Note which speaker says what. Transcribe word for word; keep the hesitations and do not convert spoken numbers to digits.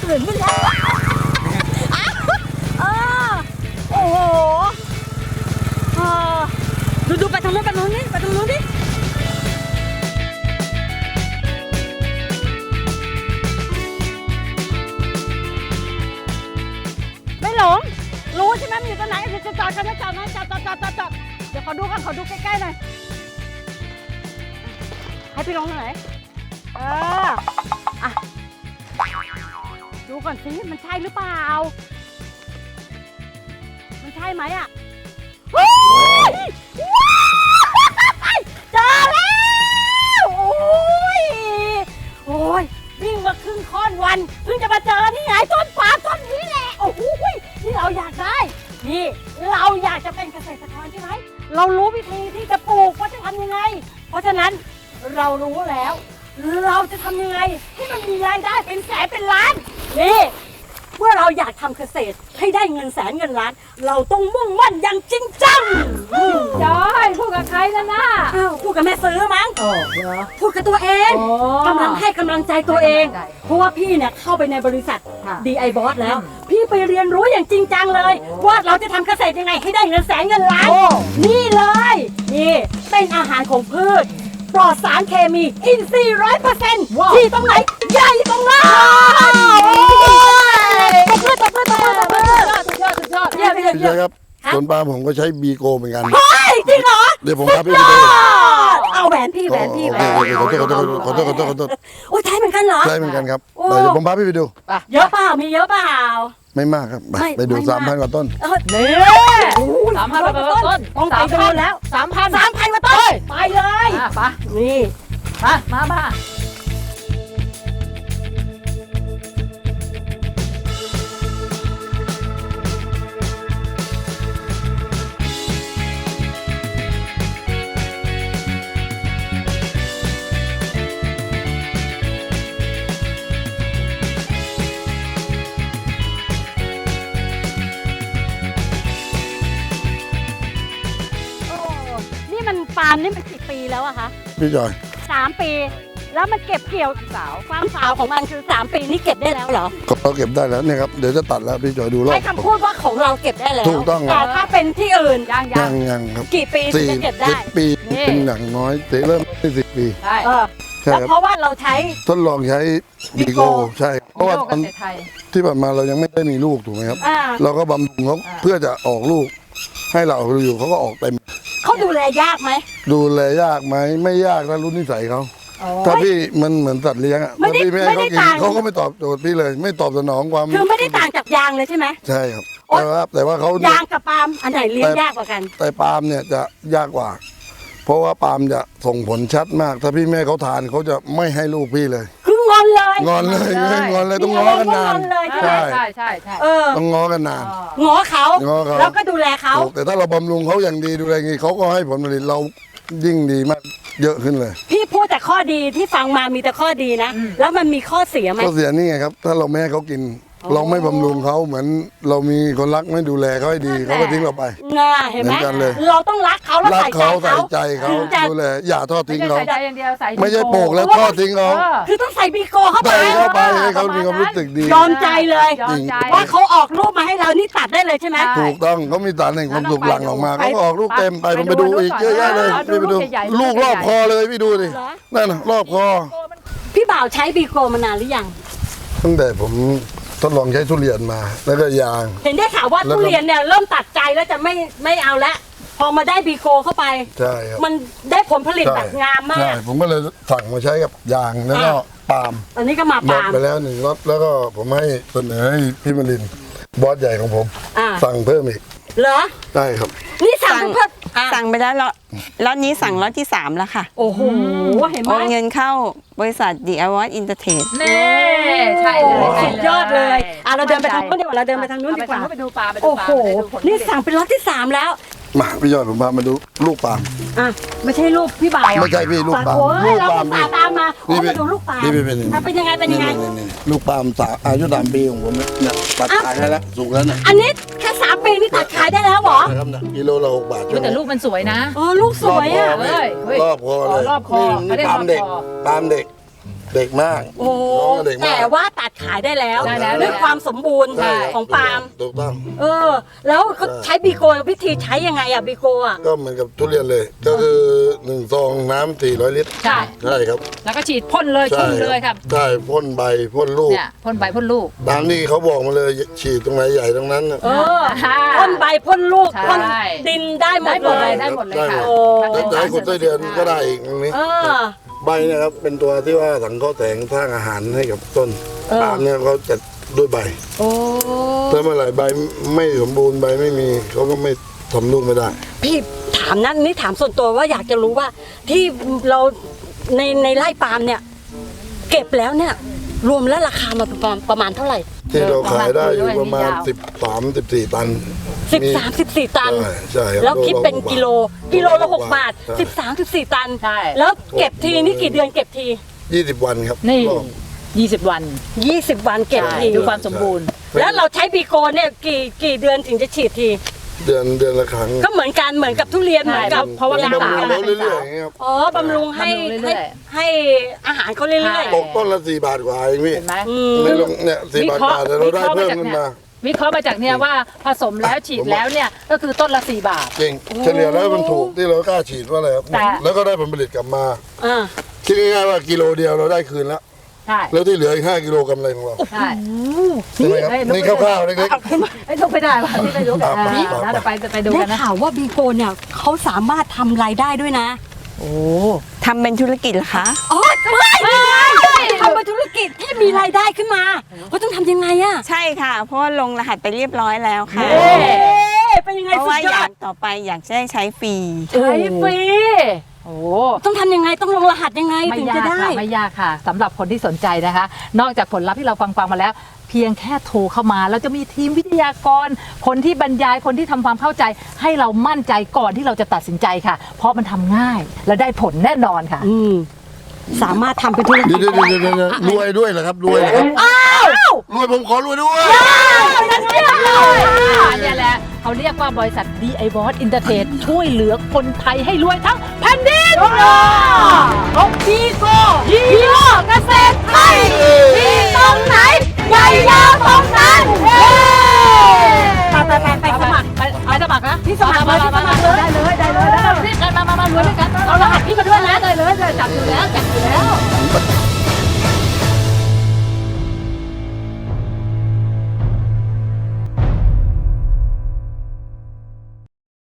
Speaker 1: ตื่นขึ้นแล้วเออโอ้โหเออดูดูไปทางนู้นไปทางนู้นนี่ไปทางนู้นดิไม่หลงรู้ใช่ไหมมันอยู่ตรงไหนจะจอดกันนะจอดนะจอดจอดจอดจอดจอดเดี๋ยวขอดูกันขอดูใกล้ๆหน่อยให้พี่ลงตรงไหนเอออ่ะดูก่อนสิมันใช่หรือเปล่ามันใช่ไหมอ่ะเฮ้ยเจอแล้วโอ้ยโอ้ยวิ่งมาครึ่งค่อนวันเพิ่งจะมาเจอนี่ไงต้นปาล์มต้นนี้แหละโอ้โหนี่เราอยากได้นี่เราอยากจะเป็นเกษตรกรใช่ไหมเรารู้วิธีที่จะปลูกว่าจะทำยังไงเพราะฉะนั้นเรารู้แล้วเราจะทำยังไงให้มันมีรายได้เป็นแสนเป็นล้านนี่เมื่อเราอยากทำเกษตรให้ได้เงินแสนเงินล้านเราต้องมุ่งมั่นอย่างจริงจัง
Speaker 2: จอยพูดกับใครนะน่ะ
Speaker 1: อ้าวพูดกับแม่ซื้อมั้ง
Speaker 2: อ๋อเหรอ
Speaker 1: พูดกับตัวเองกำลังให้กำลังใจตัวเองเพราะว่าพี่เนี่ยเข้าไปในบริษัท ดี ไอ บอส แล้วพี่ไปเรียนรู้อย่างจริงจังเลยว่าเราจะทำเกษตรยังไงให้ได้เงินแสนเงินล้านนี่เลยนี่เป็นอาหารของพืชปลอดสารเคมีอินทรีย์ร้อยเปอร์เซ็นต์ที่ตรงไหนใหญ่ตรงนั้นตบมือตบมือตบมือตบมือสุดยอดสุดยอดเยี่ยมเยี่ยม
Speaker 3: พี่จอยครับสวนปาล์มผมก็ใช้บีโกเหมือนกัน
Speaker 1: เฮ้ยจริงเหรอ
Speaker 3: เดี๋ยวผมพาพี่ไปดู
Speaker 1: เอาแหวนพี่แหวนพี่แหวน
Speaker 3: ขอโทษขอโทษขอโทษขอโทษขอโทษ
Speaker 1: โอ้ยใช่เหมือนกันเหรอ
Speaker 3: ใช่เหมือนกันครับเดี๋ยวผมพาพี่ไปดู
Speaker 1: เยอะเปล่ามีเยอะเปล่า
Speaker 3: ไม่มากครับไปดูสามพันกว่าต้น
Speaker 1: นี่
Speaker 2: สามพันกว่าต้น
Speaker 1: ต้องไปดูแล้ว
Speaker 2: สามพัน
Speaker 1: สามพันกว่าต้นไปเลย
Speaker 2: ไป
Speaker 1: นี่
Speaker 2: มามามา
Speaker 1: ปาล์มนี่มันกี่ปีแล้วอะคะ
Speaker 3: พี่จอย
Speaker 1: สามปีแล้วมันเก็บเกี่ยวสาวความสาวของมันคือสามปีนี่เก็บได้แล้วเหรอ
Speaker 3: เราเก็บได้แล้วเนี่ยครับเดี๋ยวจะตัดแล้วพี่จอยดูรอบ
Speaker 1: ให้คำพูดว่าของเราเก็บได้แล้ว
Speaker 3: ถูกต้อง
Speaker 1: แต่ถ้าเป็นที่อื่น
Speaker 2: ยัง
Speaker 3: ยังยังครับ
Speaker 1: กี่ปีถึงจะเก็บได้
Speaker 3: ปีเป็นอย่างน้อยเริ่มที่สิบปี
Speaker 2: ใช่
Speaker 3: ใช่ครับ
Speaker 1: เพราะว่าเราใช้
Speaker 3: ทดลองใช้บีโกใช่เพราะว่าตอนที่ผ่านมาเรายังไม่ได้มีลูกถูกไหมครับเราก็บำรุงเขาเพื่อจะออกลูกให้เราอยู่เขาก็ออกเต็ม
Speaker 1: เขาดูแลยากไหม
Speaker 3: ดูแลยากไหมไม่ยากนะรุ่นนิสัยเขาถ้าพี่มันเหมือนสัตว์เลี้ยงอ่ะถ้าพี่ไม่ให้เขากินเขาก็ไม่ตอบโจทย์พี่เลยไม่ตอบสนองความ
Speaker 1: คือไม่ได้ต่างจากยางเลยใช่ไหม
Speaker 3: ใช่ครับแต่ว่าแต่ว่าเขา
Speaker 1: ยางกับปาล์มอันไหนเลี้ยงยากกว่ากัน
Speaker 3: แต่ปาล์มเนี่ยจะยากกว่าเพราะว่าปาล์มจะส่งผลชัดมากถ้าพี่แม่เขาทานเขาจะไม่ให้ลูกพี่เลย
Speaker 1: คืองอนเลย
Speaker 3: งอนเลยงอนเลยต้องง้อกันนาน
Speaker 2: ใช่ใช่ใช่ใช่
Speaker 3: ต้องง้อกันนาน
Speaker 1: ง้อเขาแล้วก็ดูแลเขา
Speaker 3: แต่ถ้าเราบำรุงเขาอย่างดีดูแลงี้เขาก็ให้ผลผลิตเรายิ่งดีมากเยอะขึ้นเลย
Speaker 1: พี่พูดแต่ข้อดีที่ฟังมามีแต่ข้อดีนะแล้วมันมีข้อเสียไหม
Speaker 3: ข้อเสียนี่ไงครับถ้าเราไม่ให้เขากินเราไม่บำรุงเขาเหมือนเรามีคนรักไม่ดูแลเขาให้ดีเขาก็ทิ้งเราไป
Speaker 1: ง่าเห็นไหมเราต้องรักเขาแล้ว
Speaker 3: ใส่
Speaker 1: ใจเขา
Speaker 3: ใส่ใจเขาดูแลอย่าทอดทิ้งเขาไม่ใช่โปกแล้วทอดทิ้งเขา
Speaker 1: คือต้องใส่บีโกเข้าไป
Speaker 3: เข้าไปให้เขามีความรู้สึกดี
Speaker 1: ยอมใจเลยว่าเขาออกลูกมาให้เรานี่ตัดได้เลยใช่ไหม
Speaker 3: ถูกต้องเขามีสารแห่งความสุขหลั่งออกมาเขาก็ออกลูกเต็มไปผมไปดูอีกเยอะแยะเลยพี่ไปดูลูกรอบคอเลยพี่ดูดินั่นรอบคอ
Speaker 1: พี่บ่าวใช้บีโกมานานหรือยัง
Speaker 3: ตั้งแต่ผมทดลองใช้ทุเรียนมาแล้วก็ยาง
Speaker 1: เห็นได้ข่าวว่าทุเรียนเนี่ยเริ่มตัดใจแล้วจะไม่ไม่เอาแล้วพอมาได้บีโกเข้าไป
Speaker 3: ใช่ครับ
Speaker 1: มันได้ผลผลิตแบบงามมาก
Speaker 3: ใช่ผมก็เลยสั่งมาใช้กับยางแล้วก็ปาล์ม
Speaker 1: อันนี้ก็มาปาล์ม
Speaker 3: ไปแล้วหนึ่งรถแล้วก็ผมให้เสนอให้พี่มลินบอสใหญ่ของผมสั่งเพิ่มอีก
Speaker 1: เหรอ
Speaker 3: ได้ครับ
Speaker 1: นี่สั่งเพิ่ม
Speaker 4: สั่งไปแล้วล็อตนี้สั่งล็อตที่สามแล้วค่ะ
Speaker 1: โอ้โหเห็นไหม
Speaker 4: โอนเงินเข้าบริษัท ดี ไอ บอส Entertain
Speaker 2: นี่ใช่เลย
Speaker 1: สุดยอดเลยอ่ะเราเดินไปทางนู้นดีกว่าเราเดินไปทางนู้นดีกว่า
Speaker 2: ไปดูปลาไปดูปลา
Speaker 1: โอ้โหนี่สั่งเป็นล็อตที่สามแล้ว
Speaker 3: มาพี่ยอดผมพามาดูลูกปาล์ม
Speaker 1: อ่ะไม่ใช่ลูกพี่บ่าว
Speaker 3: ไม่ใช่พี่ลูกปาล์ม
Speaker 1: ลูกปาล์มเราตามมาโอ้มาดูลูกปาล์ม
Speaker 3: นี่เป็น
Speaker 1: เป็นยังไงเป็นยังไง
Speaker 3: ลูกปาล์มสาอายุสามปีของผมเนี่ยตัดขายได้แล้วสุกแล้วเนี่ย
Speaker 1: อันนี้แค่สามปีนี่ตัดขายได้แล้วเหรอ
Speaker 3: ครับเนี่ยกิโลละหกบาท
Speaker 2: แต่ลูกมันสวยนะ
Speaker 1: อ๋อลูกสวยอ่ะ
Speaker 3: รอบคอเลย
Speaker 2: รอบคอ
Speaker 3: นี่ปาล์มเด็กปาล์มเด็กเด็กมาก
Speaker 1: โอ้แต่ว่าตัดขายได้แล้ว
Speaker 2: ได้แล้ว
Speaker 1: ด้วยความสมบูรณ์
Speaker 3: ใช่
Speaker 1: ของปาล์ม
Speaker 3: ถูกต้อง
Speaker 1: เออ แล้วเขาใช้บีโกวิธีใช้ยังไงอะบีโกอะ
Speaker 3: ก็เหมือนกับทุเรียนเลย ก็คือหนึ่งซองน้ำสี่ร้อยลิตร
Speaker 2: ใช่
Speaker 3: ใช่ครับ
Speaker 2: แล้วก็ฉีดพ่นเลย
Speaker 3: ใช่
Speaker 2: ชุ่มเลยครับ
Speaker 3: ใช่พ่นใบพ่นลูก
Speaker 2: เนี่ยพ่นใบพ่นลูก
Speaker 3: ตามที่เขาบอกมาเลยฉีดตรงไหนใหญ่ตรงนั้นน่ะ
Speaker 1: เออ
Speaker 2: ค่ะ
Speaker 1: พ่นใบพ่นลูก
Speaker 2: ใช่
Speaker 1: พ่นดินได้หม
Speaker 2: ได้
Speaker 1: ด
Speaker 2: หมด
Speaker 1: เล
Speaker 2: เลย ยได้หมดเลยค่ะ
Speaker 1: โอ้
Speaker 3: แล้วจะให้ขุดไส้เดือนก็ได้อีกตรงนี้
Speaker 1: เออ
Speaker 3: ใบเนะครับเป็นตัวที่ว่าสังเคราะห์แสงสร้างอาหารให้กับต้น
Speaker 1: เออ
Speaker 3: ปาล์มเนี่ยเขาจะด้วยใบ
Speaker 1: โอ้
Speaker 3: ถ้าเมื่อไหร่ใบไม่สมบูรณ์ใบไม่มีเขาก็ไม่ทำลูกไม่ได้
Speaker 1: พี่ถามนั่นนี่ถามส่วนตัวว่าอยากจะรู้ว่าที่เราในในไร่ปาล์มเนี่ย เก็บแล้วเนี่ย รวมแล้วราคามาประมาณประมาณเท่าไหร่
Speaker 3: ที่เราขายได้อยู่
Speaker 2: เออ
Speaker 3: ประมาณ
Speaker 2: ยาว
Speaker 3: สิบสามสิบสี่ตัน
Speaker 1: สิบ
Speaker 3: มี
Speaker 1: สามสิบสี่ตัน
Speaker 3: ใช่ใช่รับ
Speaker 1: แล้วคิดเป็นกิโลกิโลละหกบาท
Speaker 3: ใช่
Speaker 1: สิบสามสิบสี่ตัน
Speaker 2: ใช่
Speaker 1: แล้วเก็บทีนี่กี่เดือนเก็บที
Speaker 3: ยี่สิบวันครับ
Speaker 2: นี่
Speaker 3: รอบ
Speaker 2: ยี่สิบวัน
Speaker 1: ยี่สิบวันเก็บ
Speaker 2: ใช่
Speaker 1: ที
Speaker 2: ดูความสมบูรณ์
Speaker 1: แล้วเราใช้บีโกเนี่ยกี่กี่เดือนถึงจะฉีดที
Speaker 3: เดือนเดือนละครั้ง
Speaker 1: ก็เหมือนกันเหมือนกับทุเรียน
Speaker 2: ใช่
Speaker 1: เหมือนกับ
Speaker 2: เพราะว่า
Speaker 3: บำ
Speaker 2: เป็น
Speaker 3: รุง
Speaker 2: สาว
Speaker 3: เราเรื่อยๆอย่างเงี้ยครับ
Speaker 1: อ๋อบำรุงให้
Speaker 2: บำรุงเรื่
Speaker 1: ให้
Speaker 2: อย
Speaker 1: ให้อาหารเขาเรื่อย
Speaker 3: ตกต้นละสี่บาทกว่าเองพี่
Speaker 2: เห็นไหม
Speaker 1: ๆอืม
Speaker 3: ไม่ลงเนี่ยสี่บาทกว่าแต่เราได้เพิ่มขึ้นมา
Speaker 2: วิเคราะห์มาจากเนี่ยว่าผสมแล้วฉีดแล้วเนี่ยก็คือต้นละสี่บาท
Speaker 3: จริงเฉลี่ยแล้วมันถูกที่เรากล้าฉีดว่าอะไรครับ
Speaker 2: แต่
Speaker 3: แล้วก็ได้ผลผลิตกลับมา
Speaker 1: อ่า
Speaker 3: คิดง่ายๆว่ากิโลเดียวเราได้คืนแล้ว
Speaker 2: ใช่
Speaker 3: แล้วที่เหลืออีกห้ากิโลกำไรของเรา
Speaker 2: ใช่
Speaker 3: ใช่ไหมครับ
Speaker 2: นี่
Speaker 3: นี่คร่าวๆเล็ก
Speaker 2: ไอ้ยลุกไม่ได้ว่ะนี่ไม่ลุก
Speaker 3: อ่ะ
Speaker 2: อ่า
Speaker 3: ไปไป
Speaker 2: แล้วเราไปไปดู
Speaker 1: ได้
Speaker 2: กันนะ
Speaker 1: ข่าวว่าบีโกเนี่ยเขาสามารถทำรายได้ด้วยนะ
Speaker 2: โอ้
Speaker 4: ทำเป็นธุรกิจเหรอคะ
Speaker 1: อ๋อไม่ไม่ทำเป็นธุรกิจที่มีรายได้ขึ้นมาเขาต้องทำยังไงอะ
Speaker 4: ใช่ค่ะ เพราะว่าลงรหัสไปเรียบร้อยแล้วค่ะ
Speaker 1: เอ๊ะเป็นยังไง
Speaker 4: เพราะ
Speaker 1: สุ
Speaker 4: ว่า
Speaker 1: ดย
Speaker 4: อ
Speaker 1: อย
Speaker 4: า
Speaker 1: ด
Speaker 4: กต่อไปอยากจะได้ใช้ฟรี
Speaker 2: ใช้ฟรีโอ้
Speaker 1: ต้องทำยังไงต้องลงรหัสยังไง
Speaker 2: ไม่
Speaker 1: ถึง
Speaker 2: ยา
Speaker 1: จะ
Speaker 2: ก
Speaker 1: ได้
Speaker 2: ค่ะไม่ยากค่ะสำหรับคนที่สนใจนะคะ นอกจากผลลัพธ์ที่เราฟังฟังมาแล้ว เพียงแค่โทรเข้ามาเราจะมีทีมวิทยากร คนที่บรรยายคนที่ทำความเข้าใจ ให้เรามั่นใจก่อนที่เราจะตัดสินใจค่ะ เพราะมันทำง่ายและได้ผลแน่นอนค่ะ
Speaker 1: อืมสามารถทำเป็นธุร
Speaker 3: ๆ
Speaker 1: กิ
Speaker 3: เดี๋
Speaker 1: จ
Speaker 3: ยวเดี๋ยวเดี๋ยวเดี๋ยวรวยด้วยเหรอครับรวยเหรอครับ
Speaker 1: อ้าว
Speaker 3: รวยผมขอรวยด้วย
Speaker 2: นั่นเชื่อเลยเนี่ยแหละเขาเรียกว่าบริษัท ดี ไอ บอส Entertain ช่วยเหลือคนไทยให้รวยทั้งแผ่นดินของบีโกฮีโร่เกษตรไทยมีตรงไหนใหญ่ยาวตรงนั้น